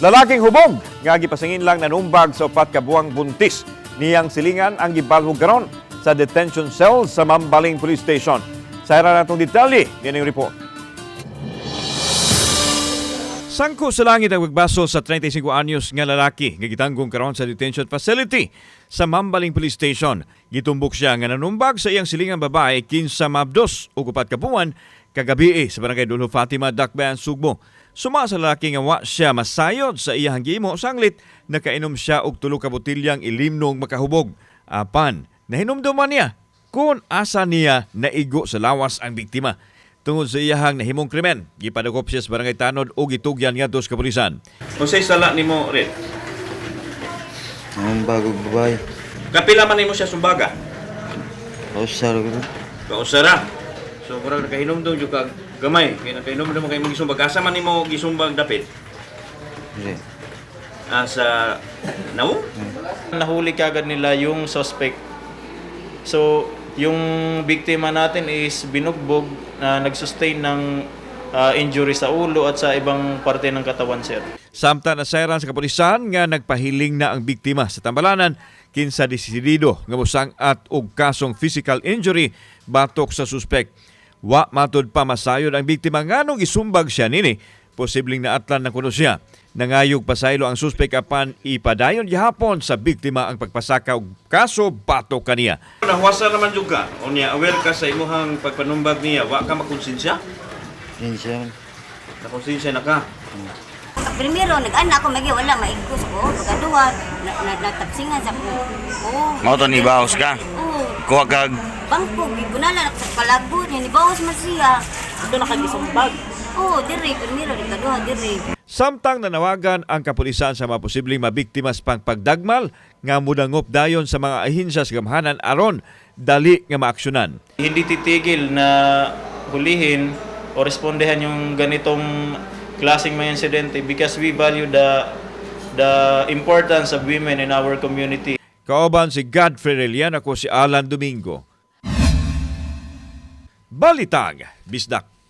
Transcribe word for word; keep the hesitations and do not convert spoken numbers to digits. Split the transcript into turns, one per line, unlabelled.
Lalaking hubog nga gipasangin lang nanumbag sa upat ka buwang buntis. Niyang silingan ang gibalhog karon sa detention cell sa Mambaling Police Station. Sa ira natong detalye, yan ang report. Sangko sa langit ang magbaso sa thirty-five anyos nga lalaki nga gitanggong karon sa detention facility sa Mambaling Police Station. Gitumbok siya nga nanumbag sa iyang silingang babae kinsa mabdos ug upat ka buwan kagabi sa barangay Dulo Fatima, Dakbayan, Sugbo. Suma sa lalaki nga wa siya masayod sa iyang gimo sanglit nakainom siya og tulo ka botilyang ilimnong makahubog. Apan nahinumduman niya kung asa niya naigo sa lawas ang biktima. Tungod sa iyahang nahimong krimen, gipadakop siya sa barangay Tanod o gitugyan nga dos kapulisan. Unsay sala nimo rin?
Ang bagong babae.
Kapila man nimo siya sumbaga?
Kausar ko na.
Kausara. So kurang nakahinom daw jud kag gamay, kay nakainom daw kay mong gisumbag. Asa man nimo gisumbag dapit?
Hindi.
Asa nawo?
Nahuli kagad nila yung suspect. So, yung biktima natin is binugbog na nagsustain ng uh, injury sa ulo at sa ibang parte ng katawan, sir.
Samtang nasairan sa kapulisan nga nagpahiling na ang biktima sa tambalanan kinsa desidido nga musang at og kasong physical injury batok sa suspect. Wa matud pa masayod ang biktima nganong isumbag siya nini. Posibleng naatlan na kuno siya. Nangayog pasaylo ang suspect apan ipadayon gihapon sa biktima ang pagpasaka og kaso batok kaniya. Nahwasa naman jud ka. Unya aware ka sa imong pagpanumbag niya, wa ka makonsensya?
Yan siya.
Nakonsensya na ka.
Primero, nag-anak ako, magi wala, maigos ko. Pagkaduwa, na, na, natapsingan sa ko. Oh,
Mao to ni Baos ka.
Oo.
Kuha kag
Bangko, gibunala, sa palagbo niya, ni Bawas man siya.
Doon nakagisumbag.
Oo, dire, primero, nagkaduwa, dire.
Samtang nanawagan ang kapulisan sa mga posibleng mabiktima sa pagpagdagmal nga mudangop dayon sa mga ahensya sa gamhanan aron dali nga maaksyonan.
Hindi titigil na hulihin o respondehan yung ganitong klaseng mga insidente because we value the the importance of women in our community.
Kauban si Godfrey Relian, ako si Alan Domingo. Balitag, Bisdak.